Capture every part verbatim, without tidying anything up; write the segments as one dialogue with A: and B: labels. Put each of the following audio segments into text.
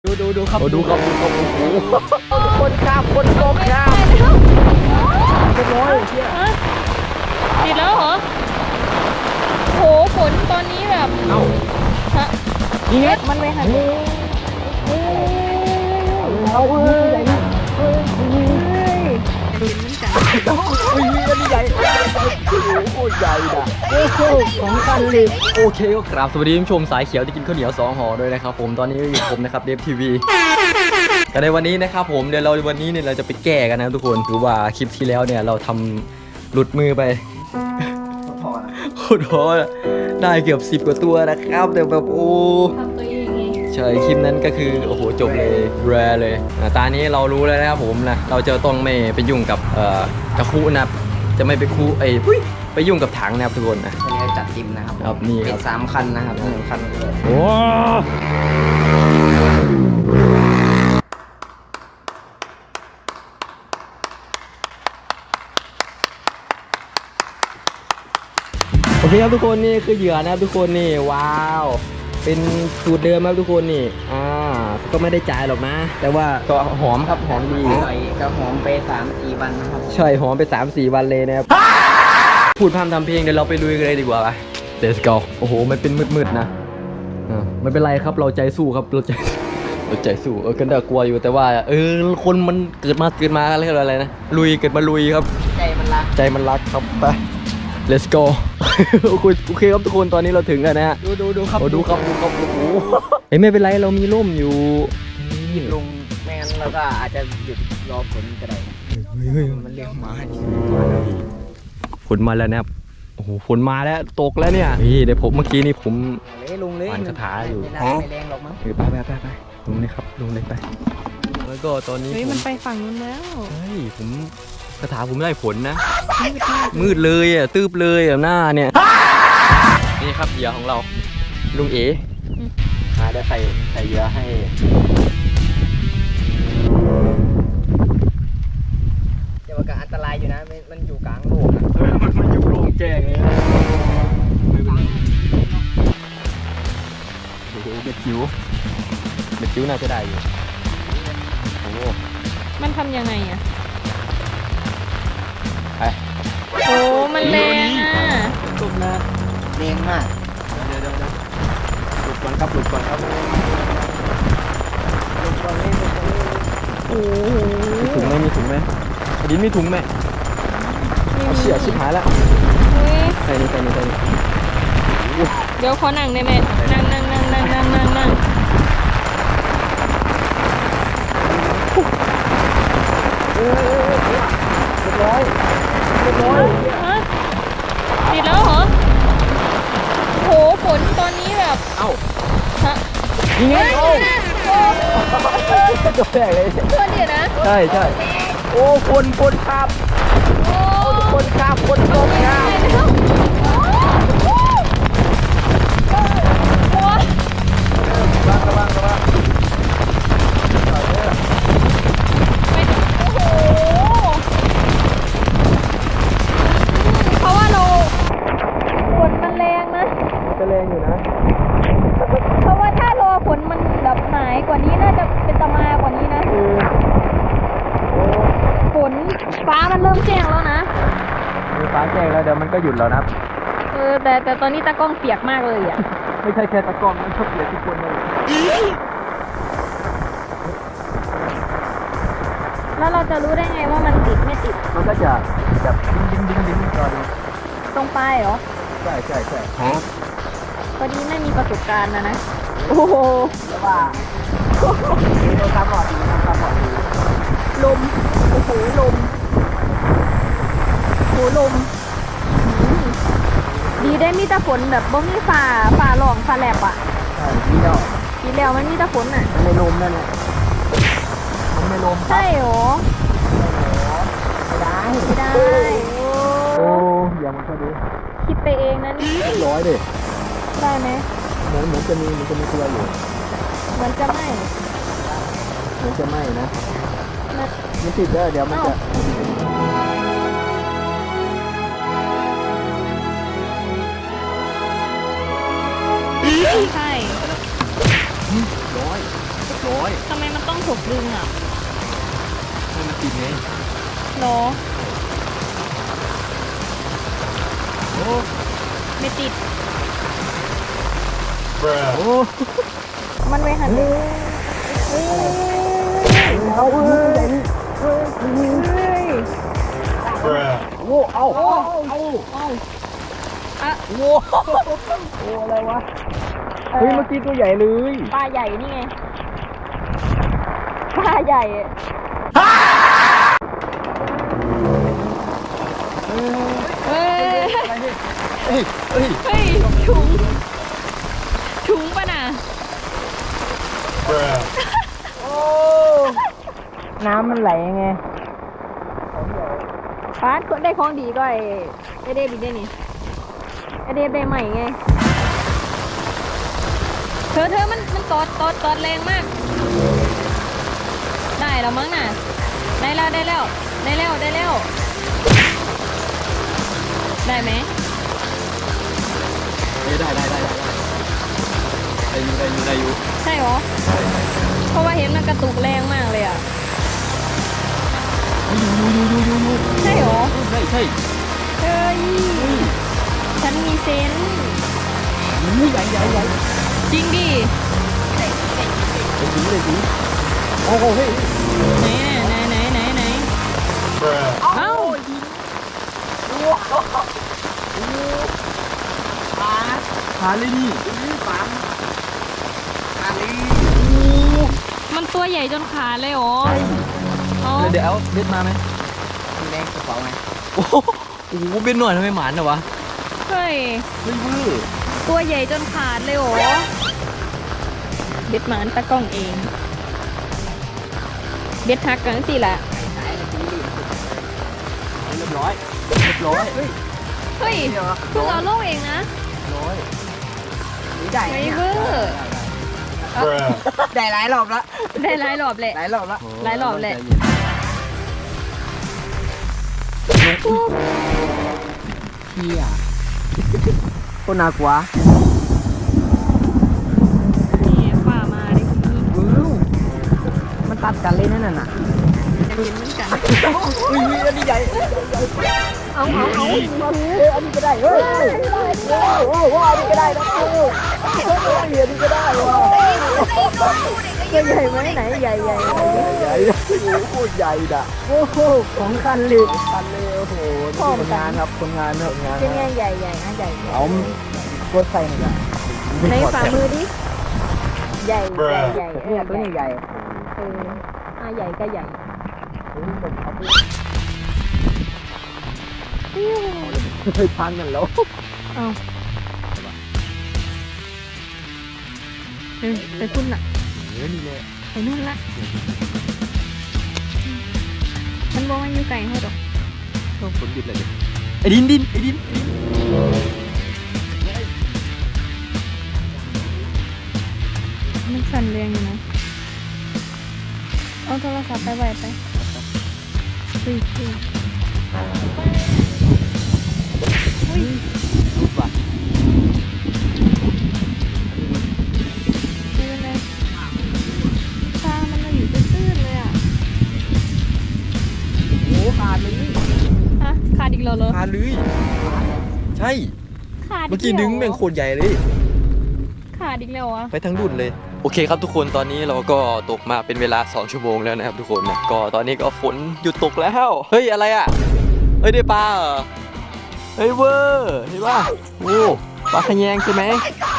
A: ดูดูดูครับ
B: โอ้ดูครับดูครับโอ้โหคนข้ามคนตกข้าม
A: เรียบร้อย
C: ติดแล้วเหรอโหฝนตอนนี้แบบ
A: เอ้า
C: ฮะ
A: นี่ไง
C: มันไปหัน
A: เอาเฮ้ย
C: เฮ้ย
A: อุ้ยอันนี้ใหญ่โอ้ใหญ่ด่ะโอ้โหของกันเลย
B: โอเคก็ครับสวัสดีท่านผู้ชมสายเขียวที่กินข้าวเหนียวสองห่อด้วยนะครับผมตอนนี้ก็อยู่ผมนะครับเดฟทีวีแต่ในวันนี้นะครับผมเดี๋ยวเราวันนี้เนี่ยเราจะไปแก้กันนะทุกคนคือว่าคลิปที่แล้วเนี่ยเราทำหลุดมือไปโคตรท้อได้เกือบสิบกว่าตัวนะครับแต่แบบโอ้
C: ทำตัวเองไง
B: ใช่คลิปนั้นก็คือโอ้โหจบเลยแรเลยอ่ะตอนนี้เรารู้แล้วนะครับผมนะเราจะต้องไม่ไปยุ่งกับเอ่อกระคุนะครับจะไม่ไปคุไอ้ยอุ๊ยไปยุ่งกับถังนะครับทุกคนนะ
A: วันนี้จัดจิมนะครับ
B: ครับนี่ครับ
A: เป็นสามคันนะครับหนึ่งคันเลย
B: โอ้โอเคครับทุกคนนี่คือเหยื่อนะครับทุกคนนี่ว้าวเป็นสูตรเดิมครับทุกคนนี่อ่าก็ไม่ได้จ่ายหรอกนะ แต่ว่าก็หอมครับหอมดี
A: ใส่กระหอมไปสามสี่วันนะครับ
B: ใช่หอมไป สามสี่ วันเลยนะครับพูดพร่ำทำเพลงเดี๋ยวเราไปลุยกันเลยดีกว่าไป Let's go โอ้โหมันเป็นมืดๆนะอ่าไม่เป็นไรครับเราใจสู้ครับเราใจเราใจสู้เออกันเดากลัวอยู่แต่ว่าเออคนมันเกิดมาเกิดมาอะไรอะไรนะลุยเกิดมาลุยครับ
A: ใจมันรัก
B: ใจมันรักครับไป Let's go โอเคโอเคครับทุกคนตอนนี้เราถึงแล้วนะฮะ
A: ดูดูดูครับ
B: โอ้ดูครับดูครับโอ้โหเฮ้ยไม่เป็นไรเรามีร่มอยู่
A: หยุดลงไม่งั้นเราก็อาจจะหยุดรอฝนก็ได้มันเรียกมา
B: ฝนมาแล้วนะครับโอ้โหฝนมาแล้วตกแล้วเนี่ยนี่เดี๋ยวผมเมื่อกี้นี่ผม
A: เลยลงเลย
B: อ่านคาถาอยู่
A: ไม่น่าไม่แรงหรอกมั้ง
B: เออไปไปไปไปลงเลยครับลงเลยไปแล้วก็ตอนนี้
C: เฮ้ย
B: ผ
C: มัน
B: ม
C: ไปฝั่งนู้นแล้ว
B: เฮ้ยผมคาถาผมได้ผลนะ
C: มืดมาก
B: มืดเลยอ่ะตืบเลยอ่ะหน้าเนี่ยนี่ครับเหยื่อของเราลุงเอ๋หาได้ใส่ใส่เหยื่อให้
A: เดี๋ยวมันก็อันตรายอยู่นะมันมันอยู่กลางโลกอะ
B: มันมันอยู่โล่งแจ้งเลยไม่เป็นไรโอ้โหเบ็ดจิ๋วเบ็ดจิ๋วน่าจะได้อยู่โอ้โห
C: มันทำยังไงอ่ะ
B: ไป
C: โอ้มันแรงอ่ะ
B: จบนะ
A: แรงมาก
B: เดี๋ยวเดี๋ยวเดี๋ยวหลุดก่อนครับหลุดก่อนครับ
C: โอ้โห
B: มีถุงไหมมีถุงไหมอดินมีถุงไหมเอาเชี่ยชิบหายแล้ว
C: เฮ้ย
B: ใส่นี่ใส่นี่ใส่นี่โอ้โห
C: เดี๋ยวขอนั่งได้ไหมนั่งนั่งนั่งนั่งนั่งนั่งนั่ง
A: เรียบร้อยเรียบร้อย
C: ฮะติดแล้วเหรอโหฝนตอนนี้แบบ
B: เอ้า
C: ฮะ
B: ยิงไงโอ้
C: โอ้
B: ตัวแตกเลย
C: ตัวเดียวนะ
B: ใช่ใช่โอ้คนคนครับ
C: โอ้
B: คนครับคนตกครับ
C: ไปแล้วโอ้โห
B: ระวังระวังระวัง
C: ไปโอ้โหเพราะว่าเราฝนมันแรงนะ
B: จะแรงอยู่นะ
C: เพราะว่าถ้ารอฝนมันแบบหายกว่านี้น่าจะเป็นตะมากว่านี้นะฝนฟ้ามันเริ่มแจ้งแล้วนะ
B: มีฟ้าแจ้งแล้วเดี๋ยวมันก็หยุดแล้วนะ
C: เออแต่แต่ตอนนี้ตากล้องเปียกมากเลยอ่ะ
B: ไม่ใช่แค่ตะกร้องมันชอบเกลียดทุกคนเลย
C: แล้วเราจะรู้ได้ไงว่ามันติดไม่ติด
B: มันก็จะแบบดิ้งดิ้งดิ้งดิ้งรอดู
C: ตรงปลายเหรอ
B: ใช่ใช่ใช่
C: พอดีไม่มีประสบการณ์นะนะโอ้โห
A: แต่ว่าเราทำหอดดีนะทำหอดดี
C: ลมโอ้โหลมโหลมอืมดีได้มีแต่ฝนแบบบ่มีฝ่าฝ่าหลองฝ่าแลบอ่ะ
A: ใช่ที่เรา
C: ดีแล้วมันมีแต่ฝนอ่ะ
A: มันไม่ลมนั่นแหละมันไม่ลม
C: ใช่เหรอ
A: ไม่ได้
C: ไม่ได้
B: โอ้ยามันก็ดี
C: คิดไปเองนะนี่
B: เรียบร้อยดิ
C: ได้ไหม
B: เหมือนเหมือนจะมีเหมือนจะมีตัวอยู่
C: เหมือนจะไม่
B: เหมือนจะไหม้นะ
C: นะ
B: มันติดแล้วเดี๋ยวมันจะ
C: ไม่ใช่
B: ร้อยร้อย
C: ทำไมมันต้องถูกดึงอ่ะ
B: ให้มันติดไง
C: โล
B: โอ้
C: ไม่ติด
B: โอ้
C: มันไว้หันเลยเฮ้ย
A: เอาเฮ้ย
C: เฮ้ย
A: โอ้เอาเอาเอา
C: เอาอะ
A: โอ้โอ้อะไรวะเฮ้ยเมื่อกี้ตัวใหญ่เลย
C: ปลาใหญ่นี่ไงปลาใหญ่อะ เฮ้ย
B: เฮ้ยเฮ้ย
C: เฮ้ยถุงถุงปะน่ะ
A: โอ้น้ำมันไหลไง
C: ปาดคนได้ของดีก็ไอ้ไอเดบิดได้นี่ไอเดบได้ใหม่ไง เธอเธอมันมันตอดตอดตอดแรงมาก ได้แล้วมั้งน่ะ ได้แล้วได้แล้วได้แล้วได้แล้ว ได้ไหม
B: ได้ได้ได้ได้ได้อยู่ได้อยู่ได้อยู่
C: ใช่เหรอ เพราะว่าเห็นมันกระตุกแรงมากเลยอ่ะ
B: อยู่อยู่อยู่อยู่อยู่
C: ใช่เหรอ
B: ใช่ใช่
C: เฮ้ย ฉันมีเซนส์
B: ใหญ่ใหญ่ใหญ่
C: จริงดิ
B: เลยสีเลยสีโอ้โหเฮ้ย
C: ไหนไหนไหนไหนไหนเอ้า
B: หาเลยนี่
C: มันตัวใหญ่จนขาดเลยเหรอเอา
B: เดี๋ยวเอาเบ็ดมาไหม
A: มีแรงกระเป๋าไง
B: โอ้โหโอ้โหเบ็ดหน่อยทำไมหมานเหรอวะ
C: เฮ้ย
B: เฮ้ยเว้ย
C: ตัวใหญ่จนขาดเลยเหรอเบ็ดหมานตะกล้องเอง เบ็ดหักกันสิล่ะ
B: เรียบร้อยเรียบร้อยเฮ้ย
C: เฮ้ยเพิ่งเอาโลกเองนะ
B: ร้อย
A: ได้
C: ไมเวอร์
A: ได้หลายรอบละ
C: ได้หลายรอบแหละ
A: หลายรอบละ
C: หลายรอบแหละ
A: เฮียคนน่ากลัว
C: นี่ฝ่ามาดิคุณพี่
A: อู้มันตัดกันเลยนั่นน่ะ
C: จะกินเหมือนกัน
A: อุ้ยอันนี้ใหญ่เอาเอาเอาอันนี้ก็ได้เฮ้ยโอ้โหอันนี้ก็ได้นะโอ้โหอันนี้ก็ได้ว่ะใหญ่ไหมไหนใหญ่ใหญ่ใหญ่โอ้โหใหญ่ด่ะโอ้โหของคันเลยคันเลยโอ้โหคนงานครับคนงานคนงาน
C: เป็นไงใหญ่ใหญ่นะใหญ่
A: เอากดใส่หน่อย
C: ในฝ่ามือดิ ใหญ่ใหญ่ใหญ่เอ
A: เนี่
C: อย
A: ตัวนี้ใหญ่
C: เอออ่ะใหญ่ก็ใหญ่
A: เคยพังกันแล้ว
C: เอาเออไปพุ่นน่ะ
B: เนื้อนี่เลย
C: ไปนู่นละ มันบอกว่าอยู่ไกลเขาดอก
B: ต้องฝนหยุดเลยดิไอ้ดินดินไอ้ดิน
C: มันสั่นแรงอยู่นะ เอาโทรศัพท์ไปไว้ไปเฮ้ยเฮ้ยอุ้ย
B: รูปว่ะ
C: ไม่เป็นไรตามันมาอยู่ตื้นๆเลยอ่ะ
A: โอ้ขาดเลย
C: ฮะ ขาดอีกแล้วเหรอ
B: ขาเลยใช่
C: ขาด
B: เมื่อกี้ดึงแม่งโคตรใหญ่เลย
C: ขาดอีกแล้วอ่ะ
B: ไปทั้งรุ่นเลย โอเคครับทุกคนตอนนี้เราก็ตกมาเป็นเวลาสองชั่วโมงแล้วนะครับทุกคนนะก็ตอนนี้ก็ฝนหยุดตกแล้วเฮ้ยอะไรอ่ะเฮ้ยได้ปลาเหรอเฮ้ยเวอร์เห็นป่ะโอ้ปลาขะแยงใช่ไหม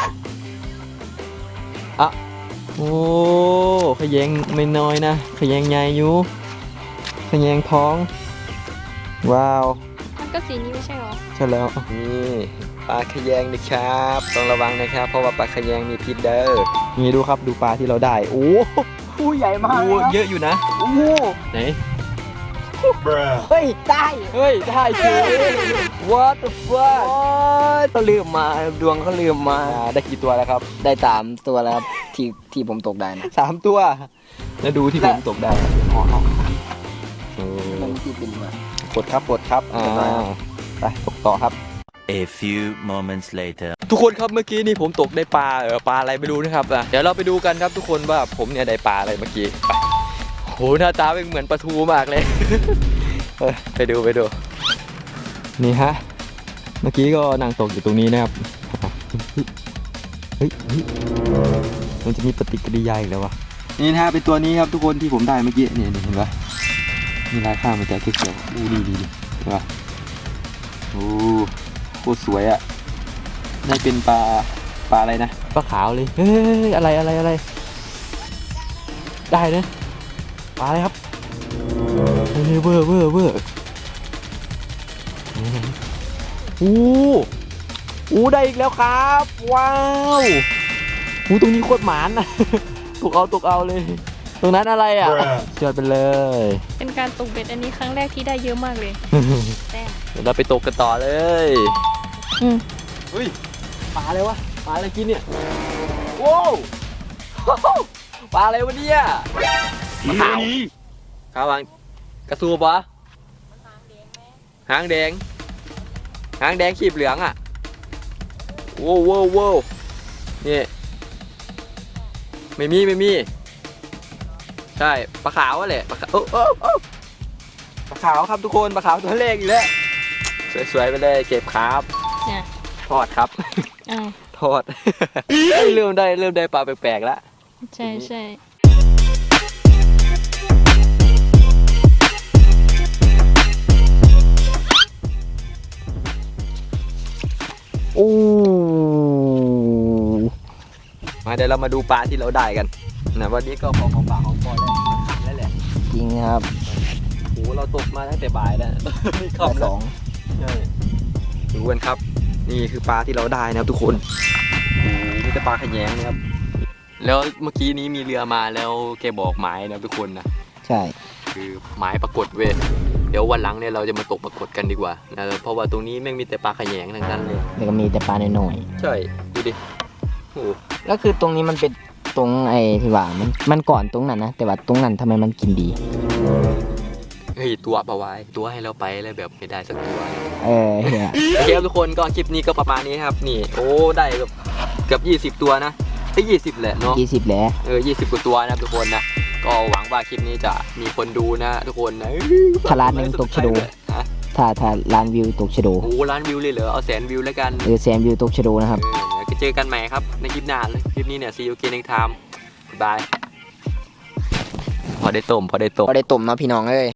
B: อ่ะโอ้ขะแยงไม่น้อยนะขะแยงใหญ่อยู่ขะแยงท้องว้าว
C: มันก็สีนี้ไม่ใช่หรอ
B: ใช่แล้วนี่ปลาขะแยงนะครับต้องระวังนะครับ เพราะว่าปลาขะแยงมีพิษเด้อนี่ดูครับดูปลาที่เราได้โอ้
A: ผู้ใหญ่มาก
B: โหเยอะอยู่นะ
A: โอ้โห
B: ไหน
A: เฮ้ยได้
B: เฮ้ยได้เฉย What the fuck
A: เขาลืมมาดวงเขาลืมมา
B: อ่าได้กี่ตัวแล้วครับ
A: ได้ตามตัวแล้วครับที่ที่ผมตกได้นะ
B: สามตัว แล้วดูที่ผมตกได้
A: อ๋อ
B: โอ้
A: มันที่เป็นมา
B: ปลดครับปลดครับอ่าไปตกต่อครับ
D: A few moments later
B: ทุกคนครับเมื่อกี้นี่ผมตกได้ปลาเออปลาอะไรไม่รู้นะครับอ่ะเดี๋ยวเราไปดูกันครับทุกคนว่าผมเนี่ยได้ปลาอะไรเมื่อกี้ไปโหหน้าตาเป็นเหมือนปลาทูมากเลย เออไปดูไปดูนี่ฮะเมื่อกี้ก็นั่งตกอยู่ตรงนี้นะครับเฮ้ยเฮ้ยมันจะมีปฏิกิริยาอีกแล้ววะนี่นะฮะเป็นตัวนี้ครับทุกคนที่ผมได้เมื่อกี้นี่เห็นปะมีลายข้างมันจะเขียวๆดูดีดีดีเห็นปะโอ้โคตรสวยอะได้เป็นปลาปลาอะไรนะปลาขาวเลยเฮ้ยอะไรอะไรอะไรได้นะปลาอะไรครับเฮ้ยเวอร์เวอร์เวอร์อู้อู้ได้อีกแล้วครับว้าวอู้ตรงนี้โคตรหมานนะ ตกเอาตกเอาเลยตรงนั้นอะไรอ่ะเจอไปเลย
C: เป็นการตกเบ็ดอันนี้ครั้งแรกที่ได้เยอะมากเลยแต้ม
B: เดี๋ยวเราไปตกกันต่อเลย
C: อืม
B: เฮ้ยปลาอะไรวะปลาอะไรกินเนี่ยโว้ว ปลาอะไรวะเนี่ยปลาขาวขาววางกระสูบปะหางแดงหางแดงขีบเหลืองอ่ะโว้วโว้วโว้วนี่ไม่มีไม่มีใช่ปลาขาวแหละปลาขาวโอ้โอ้โอ้ปลาขาวครับทุกคนปลาขาวตัวเล็กอีกแล้วสวยๆไปเลยเก็บครับ
C: เนี่ย
B: ทอดครับ
C: อ้าว
B: ทอด เริ่มได้เริ่มได้ปลาแปลกๆแล้ว
C: ใช่ใช่
B: โอ้มาเดี๋ยวเรามาดูปลาที่เราได้กันนะวันนี้ก็พอของปากของคอแล้วขันแล้วแหละ
A: จริงครับ
B: โอ้เราตกมาตั้งแต่บ่ายแล้ว ไม่ขับ
A: ส
B: แล้
A: อ
B: ว
A: ง
B: ใช่ดูกันครับ นี่คือปลาที่เราได้นะครับทุกคนโอ้นี่จะปลาขยงนะครับแล้วเมื่อกี้นี้มีเรือมาแล้วแกบอกหมายนะทุกคนนะ
A: ใช่
B: คือหมายปรากฏเว้ยเดี๋ยววันหลังเนี่ยเราจะมาตกปรากฏกันดีกว่านะเพราะว่าตรงนี้แม่งมีแต่ปลาขยงทั้งนั้นเลย
A: แล้วก็มีแต่ปลาหน่อย
B: ใช่ดูดิโอ้
A: ๆแล้วคือตรงนี้มันเป็นตรงไอ้ที่ว่ามันมันก่อนตรงนั้นนะแต่ว่าตรงนั้นทำไมมันกินดี
B: เฮ้ยตัวปลาวายตัวให้เราไปแล้วแบบไม่ได้สักตัว
A: เออเฮีย
B: โอเคครับทุกคนก็คลิปนี้ก็ประมาณนี้ครับนี่โอ้ได้เกือบเกือบยี่สิบตัวนะไอ้ยี่สิบแหละเนาะ
A: ยี่สิบแล้ว
B: เออยี่สิบกว่าตัวนะครับทุกคนนะก็หวังว่าคลิปนี้จะมีคนดูนะทุกคนนะ
A: ถ้าล้านหนึ่งตกชะโด
B: ฮะ
A: ถ้าถ้าล้านวิวตกชะโด
B: โอ้ล้านวิวเลยเหรอเอาแสนวิวแล้วกัน
A: เออแสนวิวตกชะโดนะครับ
B: เออเดี๋ยวเจอกันใหม่ครับในคลิปหน้าเลยคลิปนี้เนี่ย see you again next time บายพอได้ต้มพอได้ต้ม
A: ก็ได้ตุ่มเนาะพี่น้องเอ้ย